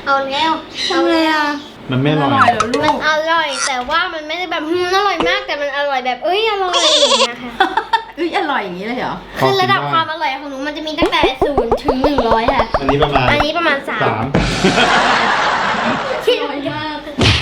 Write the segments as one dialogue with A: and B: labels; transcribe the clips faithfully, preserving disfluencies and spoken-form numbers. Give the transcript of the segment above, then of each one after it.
A: เอาแล้วทำไงอ่ะ
B: มันไม่อร่อย
A: มันอร่อยแต่ว่ามันไม่ได้แบบอร่อยมากแต่มันอร่อยแบบเอ้ยอร่อยอย่างเงี้ยค่ะ
C: เอ้ยอร่อยอย่างนี้เลยเหรอ
A: คือระดับความอร่อยของหนูมันจะมีตั้งแต่ศูนย์ถึงหนึ่งร้อยค่ะ
B: อันนี้ประมาณ
A: อันนี้ประมาณสาม
B: สาม
A: ที่อร่อยมาก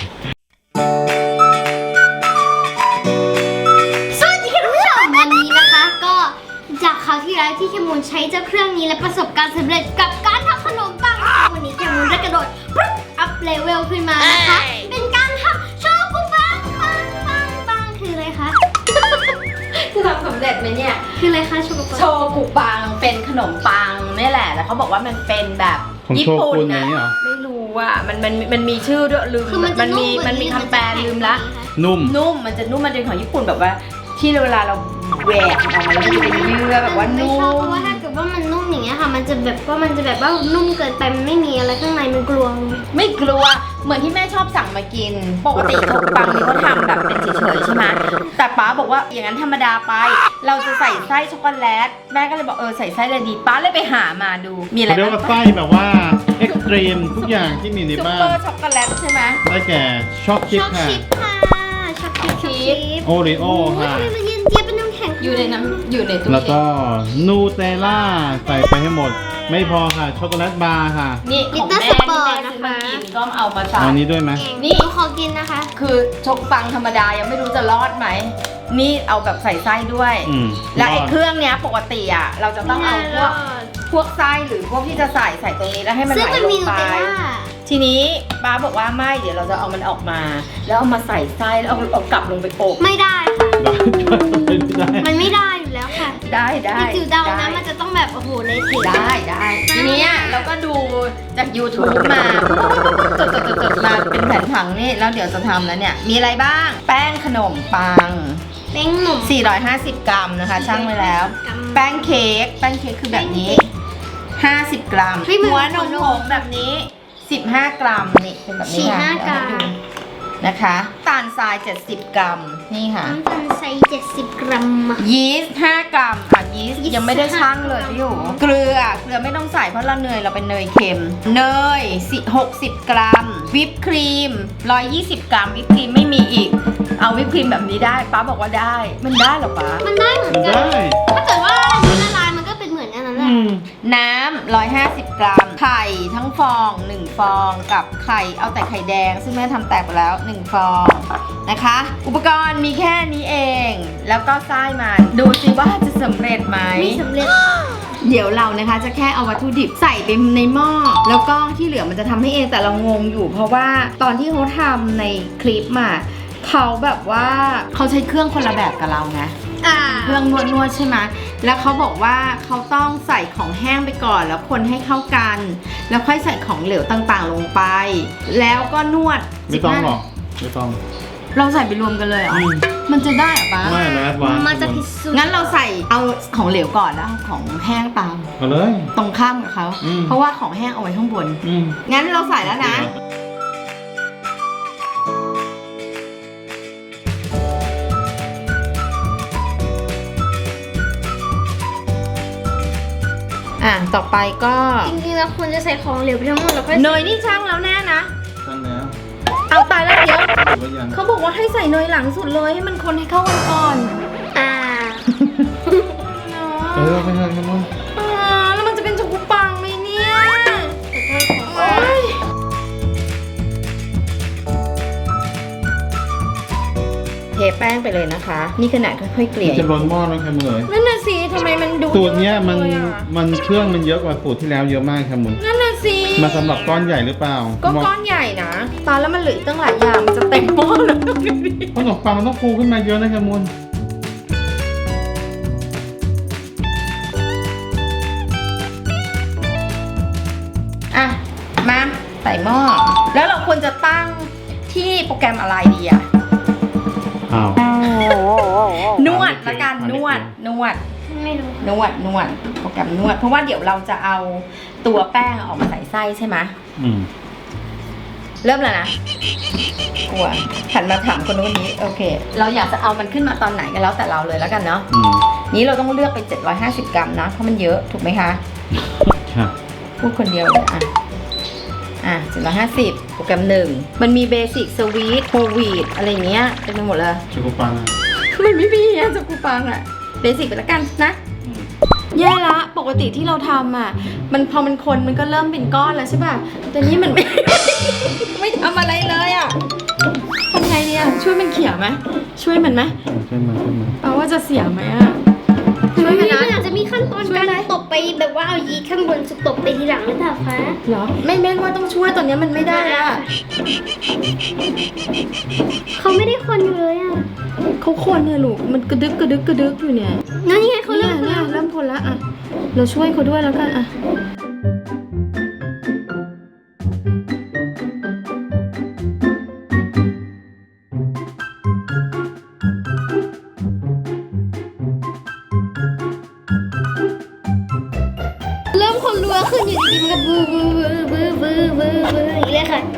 A: สวัสดีค่ะทุกผู้ชมวันนี้นะคะก็จากคราวที่แล้วที่เคมูลใช้เจ้าเครื่องนี้และประสบการณ์สำเร็จกับการทำขนมปังวันนี้เคมูลได้กระโดดปุ๊บอัพเลเวลขึ้นมานะคะเป็นการทำโชกุปังปังปังปังคืออะไรคะ
C: จะทำสำเร็จไหมเนี่ย
A: คืออะไรคะโชกุปัง
C: โชกุปังเป็นขนมปังนี่แหละแล้วเขาบอกว่ามันเป็นแบบญี่ปุ่นนะไม่รู้อ่ะมันมันมันมีชื่อด้วยลืมมันมีมันมีคำแปลลืมละ
B: นุ่ม
C: นุ่มมันจะนุ่มมันเป็นของญี่ปุ่นแบบว่าที่เวลาเราแหวกออกมาแล้วมันจะเป็นเยื่อแบบว่านุ่ม
A: เพราะว่าถ้าเกิดว่ามันนุ่มอย่างเงี้ยค่ะมันจะแบบว่ามันจะแบบว่านุ่มเกินไปมันไม่มีอะไรข้างในมันกลวง
C: ไม่กลัวเหมือนที่แม่ชอบสั่งมากินปกติขนมปังนี่เขาทำแบบเป็นเฉยๆใช่ไหมแต่ป๊าบอกว่าอย่างนั้นธรรมดาไปเราจะใส่ไส้ช็อกโกแลตแม่ก็เลยบอกเออใส่ไส้เลยดีป๊าเลยไปหามาดูมีอะไรบ้าง
B: เรียกว่าไส้แบบว่าเอ็กซ์ตรีมทุกอย่างที่มีในบ้าน
C: ซุปเปอร์ช็อกโกแลตใช่ไหม
B: ได้แก่ช็อกชิพค่ะ
A: ช็อกชิพ
B: โอริโอค่ะ
A: มันเย็นเจี๊ยบเป็นน้ำแข็ง
C: อยู่ในน้ำอยู่ในตู้เย็น
B: แล้วก็นูเทลล่าใส่ไปให้หมดไม่พอค่ะช็อกโกแลตบาร์ค่ะ
C: นี่ของแม่ที่แม่ซื้อมากินก็เอามาใส่
B: อันนี้ด้วยไหม
A: นี่ขอกินนะคะ
C: คือช็อกปังธรรมดายังไม่รู้จะรอดไหมนี่เอาแบบใส่ไส้ด้วยและไอ้เครื่องเนี้ยปกติอ่ะเราจะต้องเอาพวกพวกไส้หรือพวกที่จะใส่ใส่ตรงนี้แล้วให้มันไหลลงไปทีนี้ป้าบอกว่าไม่เดี๋ยวเราจะเอามันออกมาแล้วเอามาใส่ไส้แล้วเอาเอากลับลงไปอบ
A: ไม่ได้ค่ะมันไม่ได้อยู่แล้วค่ะ
C: ได้ได้
A: จิ๋วเดานะมันจะต้องแบบโอ้โหเละเทะ
C: ได้ได้ทีนี้เราก็ดูจาก ยูทูบ มาจดจดจดมาเป็นแผนผังนี่แล้วเดี๋ยวจะทำแล้วเนี่ยมีอะไรบ้างแป้งขนมปัง
A: แป้งหนม
C: สี่ร้อยห้าสิบกรัมนะคะช่างไว้แล้วแป้งเค้กแป้งเค้กคือแบบนี้ห้าสิบกรัมหัวนมผงแบบนี้สิบห้ากรัมนี่เป็นแบบนี้ค่ะนะคะตาลทรายเจ็ดสิบกรัมนี่ค่ะ
A: น้ำตาลทรายเจ็ดสิบกรัม
C: ยีสต์ห้ากรัมค่ะยีสต์ยังไม่ได้ชั่งเลยพี่หูเกลือเกลือไม่ต้องใส่เพราะเราเนยเราเป็นเนยเค็มเนยหกสิบกรัมวิปครีมหนึ่งร้อยยี่สิบกรัมวิปครีมไม่มีอีกเอาวิปครีมแบบนี้ได้ป้าบอกว่าได้มันได้หรอป้า
A: มันได้เหมือนกันถ้าเกิดว่ามันละลายมันก็เป็นเหมือนอันนั้นแหละ
C: น้ำหนึ่งร้อยห้าสิบกรัมไข่ทั้งฟองหนึ่งฟองกับไข่เอาแต่ไข่แดงซึ่งแม่ทำแตกไปแล้วหนึ่งฟองนะคะอุปกรณ์มีแค่นี้เองแล้วก็ไส้มันดูสิว่าจะสำเร็จไหม
A: ไม่สำเร็จ
C: เดี๋ยวเรานะคะจะแค่เอาวัตถุดิบใส่ไปในหม้อแล้วก็ที่เหลือมันจะทำให้เองแต่เรางงอยู่เพราะว่าตอนที่เขาทำในคลิปมาเขาแบบว่าเขาใช้เครื่องคนละแบบกับเราไงเครื่องนวดนวดใช่ไหมแล้วเขาบอกว่าเขาต้องใส่ของแห้งไปก่อนแล้วคนให้เข้ากันแล้วค่อยใส่ของเหลวต่างๆลงไปแล้วก็นวด
B: ไม่ต้องหรอกไม่ต้อง
C: เราใส่ไปรวมกันเลยเหรอมันจะได้หรอปะ
B: ไม่แล้ววาง
A: มันจะพิสูจน์
C: งั้นเราใส่เอาของเหลวก่อนแล้วของแห้งตาม
B: มาเลย
C: ตรงข้ามกับเขาเพราะว่าของแห้งเอาไว้ข้างบนงั้นเราใส่แล้วนะอ่ะต่อไปก็
A: จริงๆแล้วควรจะใส่ของเหลวไปทั้งหมดแล้วค่อย
C: เนยนี่ช่างแล้วแน่นะ
B: ช่างแล้ว
C: เอาตายแล้วเดี๋ยวเขาบอกว่าให้ใส่เนยหลังสุดเลยให้มันคนให้เข้ากันก่อน
A: อ่า
B: เออไปเลยครับมึง
C: อ่าแล้วมันจะเป็นโชกุปังไหมเนี่ยเทแป้งไปเลยนะคะนี่ขนาดค่อยๆเกลี่ย
B: จะร้อนหม้อแล้วครับมึงเลย
C: นั่นน่ะสิทำไมมันดู
B: สูตรเนี้ยมันมันเครื่องมันเยอะกว่าสูตรที่แล้วเยอะมากครับมึง
C: นั่นน่ะสิ
B: มาสำหรับก้อนใหญ่หรือเปล่า
C: ก็ก้อนใหญ่นะตอนแล้วมันเหลืออีกตั้งหลายอย่างมันจะเต็มหม้อแล้ว
B: ขนมปังมันต้องฟูขึ้นมาเยอะนะครับมึง
C: อ่ะมาใส่หม้อแล้วเราควรจะตั้งที่โปรแกรมอะไรดีอะนวดละกันนวดนวด
A: ไม่รู้
C: นวดนวดโปรแกรมนวดเพราะว่าเดี๋ยวเราจะเอาตัวแป้งออกมาใส่ไส้ใช่ไหมอืมเริ่มแล้วนะกลัวหันมาถามคนนู้นนี้โอเคเราอยากจะเอามันขึ้นมาตอนไหนกันแล้วแต่เราเลยแล้วกันเนาะนี้เราต้องเลือกเป็นเจ็ดร้อยห้าสิบกรัมนะเพราะมันเยอะถูกไหมคะพูดคนเดียวเลยอ่ะอ่ะเจ็ดร้อยห้าสิบโปรแกรมหนึ่งมันมีเบสิกสวีทโควิดอะไรเงี้ยเต็มไปหมดเลย
B: ชูกุปังอ่ะ
C: มันไม่มีอ่ะจะกูปังอ่ะเบสิกไปแล้วกันนะแย่ละปกติที่เราทำอ่ะมันพอมันคนมันก็เริ่มเป็นก้อนแล้วใช่ป่ะแต่นี้มันไม่ ไม่ทำอะไรเลยอ่ะทำไงเนี่ยช่วยมันเขี่ยไหมช่วยมันไหม
B: ช่วยมาช่วยมา
C: เอาว่าจะเสียไหมอ่ะช่วย
A: มั
C: มัน น
A: อา
C: นะ
A: จจะมีขั้นตอนการตบไปแบบว่าเอายีสต์ข้างบนสุดตบไปทีหลังหรือเปล่าคะ
C: เหรอไม่แม่นว่าต้องช่วยตอนนี้มันไม่ได้อ่ะ
A: เขาไม่ได้คนอยู่เลยอ่ะ
C: เขาคนเนี่ยลูกมันกระดึกกระดึกกระดึกอยู่เนี่ย
A: นั่นยังไงเขา
C: เนี่
A: เริ่
C: ย
A: ม
C: เนี่ยเริ่มคนละอ่ะเราช่วยเขาด้วยแล้วกันอ่ะ
A: เริ่มคนรัวขึ้นอยู่ดีๆมันก็บูบูบูบูบูบูบูอย่างนี้เลยค่ะ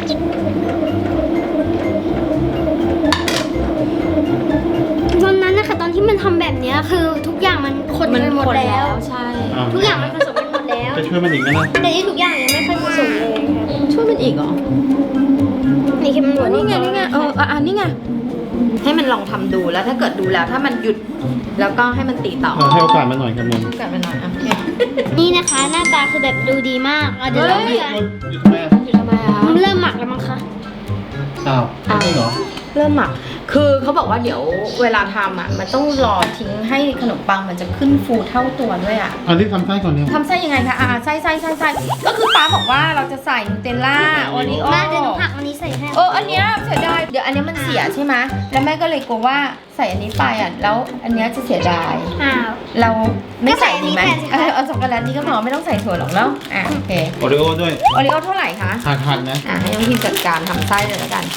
A: วันนั้นนะคะตอนที่มันทำแบบเนี้ยคือทุกอย่างมันคนไปหมดแล้ว
C: ใช่
B: อ้าว
A: ทุกอย่างมันผสมกันหมดแล้ว
B: จะช่วยมันอีกนะนะ
A: แต่ที่ทุกอย่างยังไม่ค่อยผสมเลยค่ะ
C: ช่วยมันอีกเหรอ
A: นี่คือมันหมด
C: นี่ไงนี่ไงเอออ่ะอันนี้ไงให้มันลองทำดูแล้วถ้าเกิดดูแล้วถ้ามันหยุดแล้วก็ให้มันตีต่อ
B: เออให้โอกาสมันหน่อยครับมุน
C: กลับไปหน่อยอ่ะโอเค
A: นี่นะคะหน้าตาคือแบบดูดีมากเอาเดี๋ยว
C: เฮ้
A: เรา
C: ย
A: เลือก
B: หยุดทำไมอ่ะ
C: หยุดทำไมอ่ะ
A: มันเริ่มหมักแล้วมั้งคะ
B: อ้าวจริงเหรอ
C: เริ่มหมักคือเขาบอกว่าเดี๋ยวเวลาทำอ่ะมันต้องรอทิ้งให้ขนมปังมันจะขึ้นฟูเท่าตัวด้วยอ่ะ
B: อันนี้ทำไส้ก่อนเนี่ย
C: ทำไส้ยังไงคะอ่าไส้ไส้ไส้ไส้ก็คือป้าบอกว่าเราจะใส่นูเทลล่าโอริโอ
A: มาเดี๋ยวหนูผักอันนี้ใส่ให้
C: เอออันเนี้ยเสียดายเดี๋ยวอันเนี้ยมันเสียใช่ไหมแล้วแม่ก็เลยกลัวว่าใส่อันนี้ไปอ่ะแล้วอันเนี้ยจะเสียดาย
A: อ้าว
C: เราไม่ใส่ดีไหม
A: ก็ใส่อันนี้แทนสิคะ
C: เออเอาช็อกโกแลตนี่ก็พอไม่ต้องใส่ถั่วหรอกเนาะอ่ะโอเค
B: โอริโอด้วย
C: โอริโอเท่าไหร่คะ
B: หักหันนะ
C: อ่ะให้น้องพิมจัดการทำไส้เลยแล้วกัน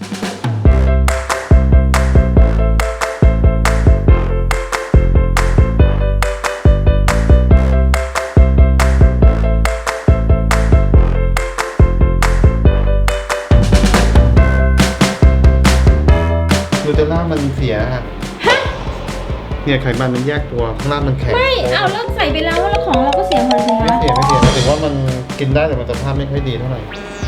B: นูเทลล่ามันเสียฮะเนี่ยไขมันมันแยกตัวข้างล่างมันแข็ง
C: ไม่เอาแล้วใส่ไปแล้วแล้วของเราก็เสียหมดสิ
B: ไม่
C: คะ
B: เสียไม่เสียหมายถึงว่ามันกินได้แต่มันสภาพไม่ค่อยดีเท่าไหร่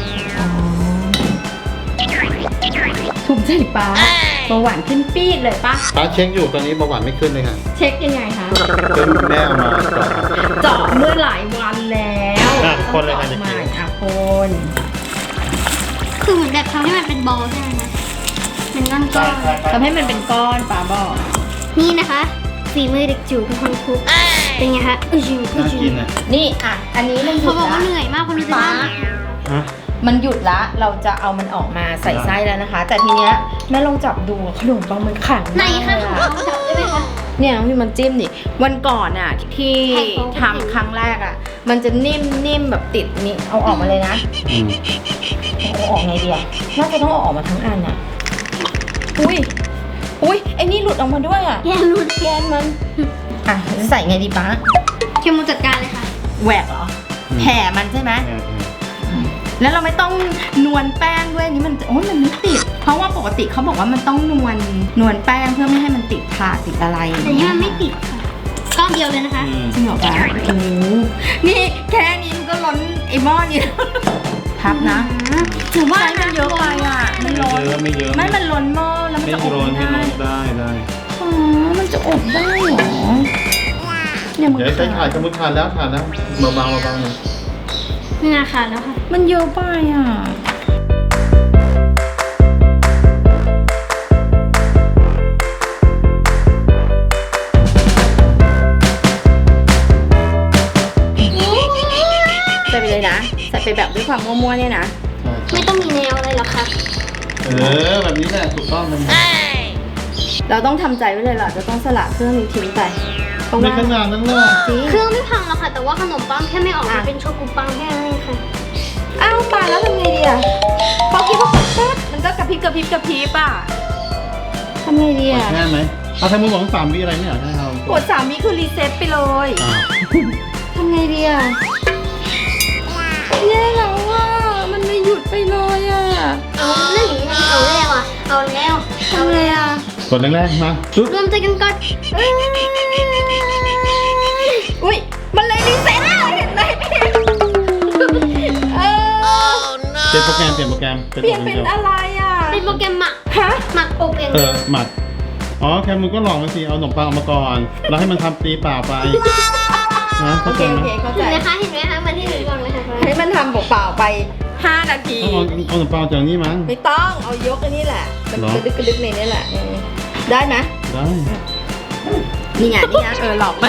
C: ถูกใจป้าเบาหวานขึ้นปี๊ดเลยปะ
B: ป้าเช็คอยู่ตอนนี้เบาหวานไม่ขึ้นเลยค่ะ
C: เช็คยังไงคะ
B: จนแม่เอามาก่อน
C: เจาะเมื่อหลายวันแล้ว
B: อ่ะคนเลย
C: ต้
B: ค่ะ
C: อง
B: จะ
C: เจาะ
B: กิน
C: ใหม่อ่ะคน
A: คือเหมือนแบบทำให้มันเป็นบอลใช่ไหมคะเป็นก้อนก้อน
C: ทำให้มันเป็นก้อนป้าบอก
A: ๆนี่นะคะฝีมือเด็กจิ๋วเป็นคนคุกเป็นไงคะอือจิ๋วอือ
B: น่า
A: จิ๋
B: กิ
A: วน
B: อ่ะ
C: นี่อ่ะอันนี้มันหยุ
A: เขา
C: ด
A: บอกว่า
C: ละ
A: เหนื่อยมากคนรู้จัก
C: ป้า
B: ฮะ
C: มันหยุดละเราจะเอามันออกมาใส่ไส้แล้วนะคะ แต่ทีเนี้ยแม่ลองจับดูขนมปังมันแข็ง
A: ไหน
C: มาก
A: คะ
C: เลย
A: ของ
C: อะ
A: เราจับได้ไหมคะ
C: เนี่ยน้องพี่มันจิ้มดิวันก่อนอ่ะที่
A: แข็งของ
C: ทำครั้งแรกอ่ะ มันจะนิ่มนิ่มแบบติดนี่เอาออกมาเลยนะ
B: อืม
C: เอาออกไงดีอ่ะน่าจะต้องเอาออกมาทั้งอันอ่ะอุ้ยอุ้ยไอ้นี่หลุดออกมาด้วยอ่ะ
A: แย่รูด
C: แกนมันอ่ะจะใส่ไงดีป้า
A: เคมูจัดการเลยค่ะ
C: แหวกเหรอแผ่มันใช่ไหม
B: แม่แม่
C: แล้วเราไม่ต้องนวลแป้งด้วยนี่มันโอ้ยมันไม่ติด เพราะว่าปกติเขาบอกว่ามันต้องนวลนวลแป้งเพื่อไม่ให้มันติดถาดติดอะไร
A: แต่นี่มันไม่ติดค่ะก้อนเดียวเลยนะคะ
B: อืม
C: จริงเหรอป้าโอ้โหนี่แค่นี้มันก็ล้นไอ้หม้อนี่แล้วพับนะ
A: ถือว่า
C: ใช่มันเยอะไปอ่ะ มัน
B: ไม่
C: ล้น
B: เยอะไม่เยอะ
C: ไม่มันล้นหม้อแล้วมัน
B: ไม่
C: จะอบ
B: โรน
C: ไม่
B: ไม่
C: ได้
B: โรนได้ได้
C: อ๋อมันจะอบได้เหรอเนี่ยมัน
B: เดี๋ยวใช้ถ่านสมมติถ่านแล้วถ่านแล้วเบาๆเบาๆหน่อย
A: นี่นะคะแล้วค่ะ
C: มันเยอะไปอ่ะ ใส่ไปเลยนะ ใส่ไปแบบด้วยความมั่วๆเนี่ยนะ
B: ใช่
A: ไม่ต้องมีแนวอะไรหรอกค่ะ
B: เออแบบนี้แหละถูกต้องมัน
C: เราต้องทำใจไว้เลยเหรอจะต้องสละเครื่องนี้ทิ้งไปเพราะ
B: ใน
C: ว่า
B: ขนาดนั้นเลย
C: จริง
A: เครื่องไม่พังหรอกค่ะ แต่ว่าขนมปังแค่ไม่ออกมาเป็นโชกุปังแค่นั้นเองค่ะ
C: อ้าวป่าแล้วทำไงดีอ่ะพอคิดว่าปุ๊บมันก็กระพริบกระพริบกระพริบอ่ะทำไงดีอ่ะ
B: แค่ไหมเอาทำมือหวังสามวิอะไรไม่อยากให้เรา
C: กดสามวิคือรีเซ็ตไปเลย
B: อ้าว
C: ทำไงดีอ่ะแย่แล้วอ่ะมันไม่หยุดไปเลยอ่ะ
A: เอาเรื่องอย่างนี้เอาแล้วอ่ะ เอาแล้ว
C: ทำไงอ่ะ
B: กดแรกๆมาปึ๊บ
A: รวมใจกันก่อนเอ้ย
C: อุ้ยมันเลยรีเซ็ตเลยเห็นไหมเออ
B: เปลี่ยนโปรแกรม
C: เปลี่ยนเป็นอะไรอ่ะ
A: เป็นโปรแกรมหมัก
C: ฮะ
A: หมักอบเอง
B: เออหมักอ๋อแคมูลก็หลอกมาสิเอาขนมปังออกมาก่อนแล้วให้มันทำตีเปล่าไปนะ
C: โอ
B: เข้า
C: เค
B: ใจไหม
C: โอเคเข้า
A: เห็
C: ใจ
A: นไหมคะเห็นไหมคะมันที่หนูบอกเลยค่ะ
C: ให้มันทำเปล่าๆไปห้านาที
B: ต้องเอาเอาขนมปังจากนี่มั้ง
C: ไม่ต้องเอายกอันนี้แหละมัน
B: เหรอ
C: กระดึกกระดึกในนี่แหละอืมได้ไหม
B: ได้
C: นี่ไงนี่ไงเออหลอกมัน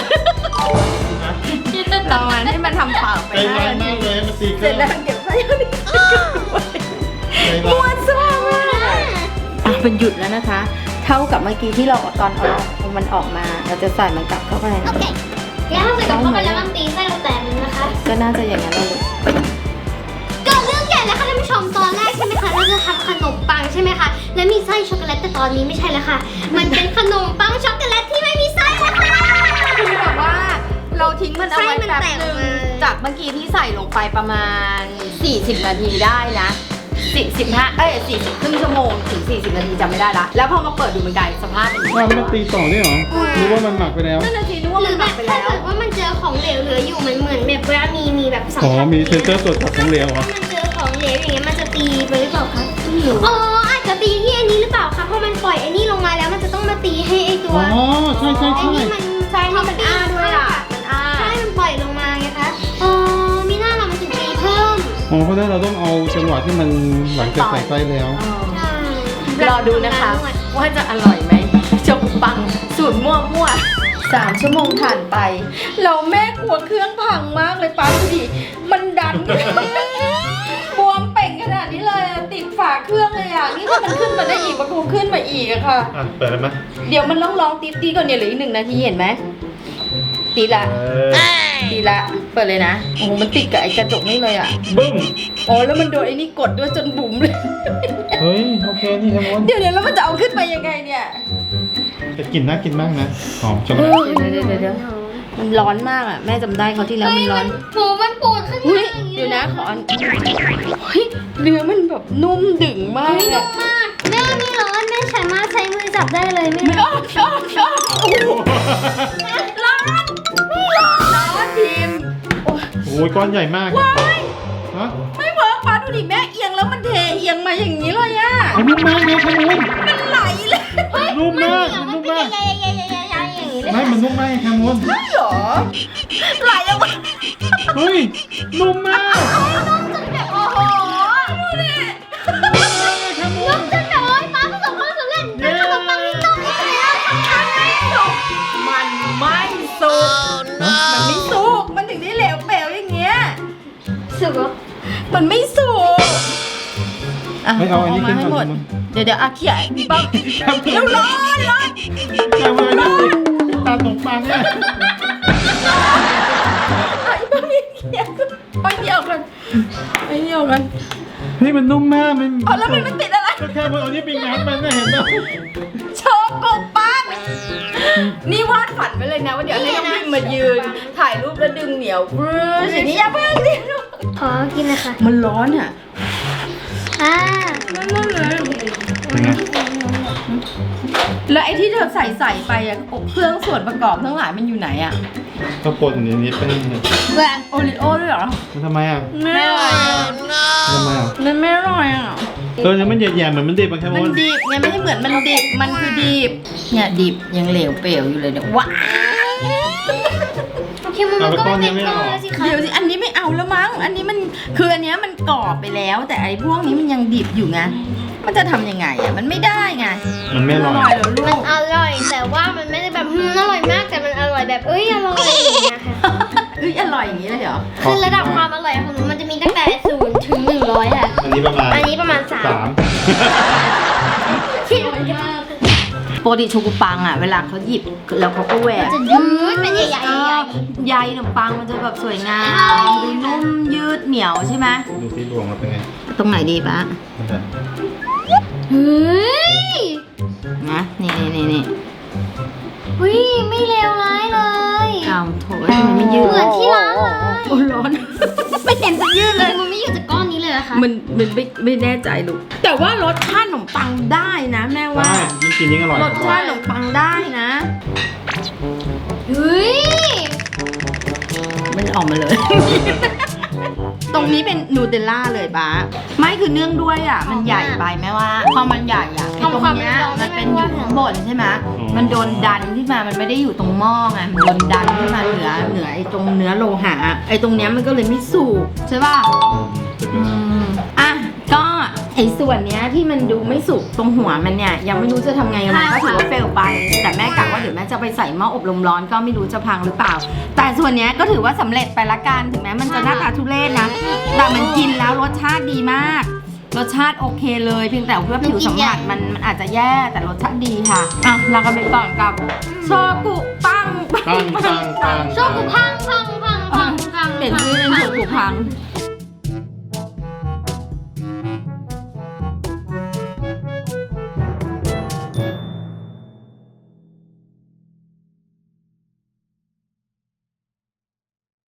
C: ลองมันให้มันทำเปล่าไป
B: ใจ
C: ห้า
B: ร้าย
C: นา
B: มา
C: ที
B: กเลยมันตีเค
C: เสร็
B: รื่
C: จ
B: อง
C: แล้วเก็บไว้เอาดิ
B: ใจร้า
C: ม้วย นซ่ามากอ่ะเป็นหยุดแล้วนะคะ เท่ากับเมื่อกี้ที่เราตอนเอาเอามันออกมา เราจะใส่มันกลับเข้าไป
A: โอเคแล้วถ้าใส่กลับเข้าไปแล้วมันตีไส้เราแตกเลยนะคะ
C: ก็น่าจะอย่างนั้นแหละลูก
A: เกิดเรื่องใหญ่แล้วค่ะท่านผู้ชมตอนแรกใช่ไหมคะเราจะทำขนมปังใช่ไหมคะและมีไส้ช็อกโกแลตแต่ตอนนี้ไม่ใช่แล้วค่ะ มันเป็นขนมปังช็อกโกแลตที่ไม่มีไส้แล้วค่ะ
C: คือแบบว่าเราทิ้งมันเอาไว้
A: ไส้มัน
C: แป๊บ
A: แตก
C: นึง
A: มา
C: จากเมื่อกี้ที่ใส่ลงไปประมาณ สี่สิบ นาทีได้นะสิบ สิบห้าเอ้ยสี่สิบครึ่งชั่วโมงถึง สี่สิบ นาทีจำไม่ได้ละแล้วพอมาเปิดดูมันกลายสภาพเป็นอย่าง
B: ว่า
C: นี้
B: มันตีต่อได้เหรอรู้ว่ามันหมักไปแล้ว
C: นั่นนาทีนึกว่า
A: หรื
C: มั
A: อน
C: ห
A: แบ
C: มัก
A: บ
C: ไป
A: ถ้า
C: แล้ว
A: เกิดว่ามันเจอของเหลวเหลืออยู่มันเหมือนแบบเวลามีมีแบบสัม
B: อ๋อ
A: ผัส
B: มีเซนเซอร์ตรวจจับของเหลวเหรอ
A: มันเจอของเหลวอย่างเงี้ยมันจะตีไปหรือเปล่าคะอ๋ออาจจะตีที่อันนี้หรือเปล่าคะเพราะมันปล่อยไอ้นี่ลงมาแล้วมันจะต้องมาตีให้ไอ้ตัว
B: อ๋อใช่ใช่
A: ไอ้
B: ใช่
A: นี่มัน
C: ใช่ที่มันอ้าด้วยอ่ะมันอ้า
A: ใช่มันปล่อยลงมาไงคะอ๋อมีหน้าเรามันถึงตีเพิ่ม
B: อ๋อเพราะฉะนั้นเราต้องเอาจังหวะที่มันหลังจากใส่ไส้แล้ว
A: ใช่
C: รอดูนะคะ ว่าจะอร่อยไหมจกปังสูตรมั่วมั่วสามชั่วโมงผ่านไป เราแม่กลัวเครื่องพังมากเลยป้าดูดิมันดัน บวมเป่งขนาดนี้เลยอะติดฝาเครื่องเลยอ่ะ นี่ถ้ามันขึ้นมาได้อีกมันคงขึ้นมาอีกอะค่ะ
B: อ่ะเปิดแล้วไหม
C: เดี๋ยวมันต้องลองตีตีก่อนเนี่ยเหลืออีกหนึ่งนาทีเห็นไหมตีละ
B: เออ
C: ตีละเปิดเลยนะโอ้โหมันติดกับไอ้กระจกนี่เลยอ่ะ
B: บึ้ม
C: อ๋อแล้วมันโดนไอ้นี่กดด้วยจนบุ๋มเลย
B: เฮ้ยโอเคนี่แคมูล
C: เดี๋ยวเดี๋ยวแล้วมันจะเอาขึ้นไปยังไงเนี่ย
B: แต่กลิ่นน่ากินมากนะหอมจัง
C: เอ
B: เลย
C: อเดี๋ยวเดี๋ยวเดี๋ยวมันร้อนมากอ่ะแม่จำได้เขาวที่แล้วมันร้อน
A: หมูมันปูดขึ้น
C: อุ้
A: มาย อย่าง
C: เดี๋ยวนะขออันเฮ้ยเนื้อมันแบบนุ่มดึงมาก
A: ไม่
C: อะ
A: นุ่มมากแม่ไม่ร้อนแม่สามารถใช้มือจับได้เลยไม่
C: ไม่
A: ร้อน
C: อ้อมอ้อมอ้อมโอ้โหร้อนไม่ร้อนร้อนพิมพ์โอ้ย
B: โอ้ยก้อนใหญ่มาก
C: ว้าย
B: ฮะ
C: ไม่เวิร์กป้าดูดิแม่เอียงแล้วมันเทเอียงมาอย่างนี้เลยอ่ะ
B: เอานุ่มมากเลยแคมูล
C: มันไหลเลย
B: นุ่มมาก
A: มั
B: มัน น
A: เป็
B: นุ่
A: น
B: มมาก
A: ใหญ่ๆๆๆๆอย่างนี้เลย
B: ไม่มันนุ่มมากแคมูล
C: ใช่เหรอไหลออกมา
B: เฮ้ยนุ่มมาก
C: โอ้โหดูดิ
B: แคมูล
A: จนแบบว่าป้าประสบความสำเร็จเป็นขนมปังที่นุ่มที่สุดแล้ว
C: มันไม่สุกมันไม่สุกมันถึงได้เหลวเปลวอย่างเงี้ย
A: สุกเหรอ
C: มันไม่สุกะ
B: ไม่เอาอันนี้
C: มา
B: ขึ้น
C: ให้
B: ก่
C: หม
B: อ
C: ด
B: น
C: เดี๋ยวเดี๋ยวอาเขียบ้างเร็วร้อนร้อน
B: แคมูลเนี่ยตาขนมปังเนี่ย
C: ไอ้บ้ามีเขียไปเดียวกันไปเดียวกัน
B: เฮ้ยมันนุ่มมากมัน
C: เอาแล้วมันไม่ติดอะไร
B: ก็แค่มันเอานี้ไปงัดมันนะเห็นไหม
C: โชว์กบปังนี่วาดฝันไว้เลยนะว่าเดี๋ยวให้น้องพิมมายืน ถ่ายรูปแล้วดึงเหนียวบรื้ออย่างนี้อย่าเพิ่งดิ
A: ขอกินเลยค่ะ
C: มันร้อนอ่ะ
A: อ่า
C: มันร้อนเลย
B: เป็นไง
C: แล้วไอ้ที่เธอใส่ใส่ไปอะเครื่องส่วนประกอบทั้งหลายมันอยู่ไหนอะ
B: ก็ปนอยู่ในนี้เป็น
A: แหวน
C: โอริโอด้วยเหรอ
B: มันทำไมอ่ะ
C: ไม่อร่อยอะ
B: ทำไมอ่ะ
C: มันไม่อร่อยอะ
B: เออเนี่ยมันแย่ๆเหมือนมันดิบอะแค
C: มั
B: มู
C: น
B: ล
C: ดิบไงไม่ได้เหมือนมันดิบมันคือดิบเนี่ยดิบยังเหลวเปลวอยู่เลยเนี่ยว้า
A: โอเคมันก็ไม่เป็นก้อนแล้วสิคะ
C: เดี๋ยวสิอันนี้ไม่เอาแล้วมั้งอันนี้มันคืออันเนี้ยมันกรอบไปแล้ว แต่ไอ้พวกนี้มันยังดิบอยู่ไงมันจะทำยังไงอะมันไม่ได้ไง
B: มันไม่อร่อย
C: เหรอลู
A: มัน
C: ก
A: อร่อยแต่ว่ามันไม่ได้แบบอืมอร่อยมากแต่มันอร่อยแบบเอ้ยอร่อยอย่างเงี้ยค่ะ
C: เอ้ยอร่อยอย่างนี้เลยเหรอ
A: คือระดับความอร่อยของหนูมันจะมีตั้งแต่ศูนย์ถึงหนึ่งร้อยค่ะ
B: อันนี้ประมาณ
A: อันนี้ประมาณสาม
B: สาม
A: ที่
C: ปกติโชกุปังอ่ะเวลาเขาหยิบแล้วเขาก็แหวก
A: จะยืดเป็นใหญ่
C: เออใยขนมปังมันจะแบบสวยงามดูนุ่มยืดเหนียวใช่ไหม
B: ดูที่รวงแล้วเป็นไง
C: ตรงไหนดีปะ
B: มันจะ
A: ๆเฮ้ย
C: นะนี่นี่นี่นี่
A: เฮ้ยไม่เลวร้ายเลย
C: เอาโถทำไมไม่ยืด
A: เหมือนที่ร้านเลย
C: โอ้ร้อน ไม่เห็นจะยืดเลย
A: มันไม่อยู่จากก้อนนี้เลยเหรอคะ
C: มันมันไม่ไม่แน่ใจลูกแต่ว่ารสชาติขนมปังได้นะแม่ว่า
B: ได้ยิ่งกินยิ่งอร่อย
C: รสชาติขนมปังได้นะ
A: เฮ้ย
C: มันออกมาเลย ตตรงนี้เป็นนูเทลล่าเลยบ้าไม่คือเนื่องด้วยอ่ะมันใหญ่ไปไหมว่าพอมันใหญ่อ่ะไอ้ตรงเนี้ยมันเป็นอยู่ข้างบนใช่ไหมมันโดนดันขึ้นมามันไม่ได้อยู่ตรงหม้อไงมันโดนดันขึ้นมาเหนือเหนือไอ้ตรงเนื้อโลหะไอ้ตรงเนี้ยมันก็เลยไม่สุกใช่ป่ะอืมอ่ะก็ไอ้ส่วนเนี้ยที่มันดูไม่สุกตรงหัวมันเนี่ยยังไม่รู้จะทำไงมันก็ถือว่าเฟลไปแต่แม่กะว่าเดี๋ยวแม่จะไปใส่หม้ออบลมร้อนก็ไม่รู้จะพังหรือเปล่าแต่ส่วนเนี้ยก็ถือว่าสำเร็จไปละกันถึงแม้มันจะหน้าตาทุเรศนะแต่มันกินแล้วรสชาติดีมากรสชาติโอเคเลยเพียงแต่ว่าผิวสัมผัสมันมันอาจจะแย่แต่รสชาติดีค่ะอ่ะเรากันไปก่อนกับโชกุปัง
B: ปังปังปัง
A: โชกุพังพังพังพังพัง
C: เปลี่ยนชื่อเป็นโชกุพัง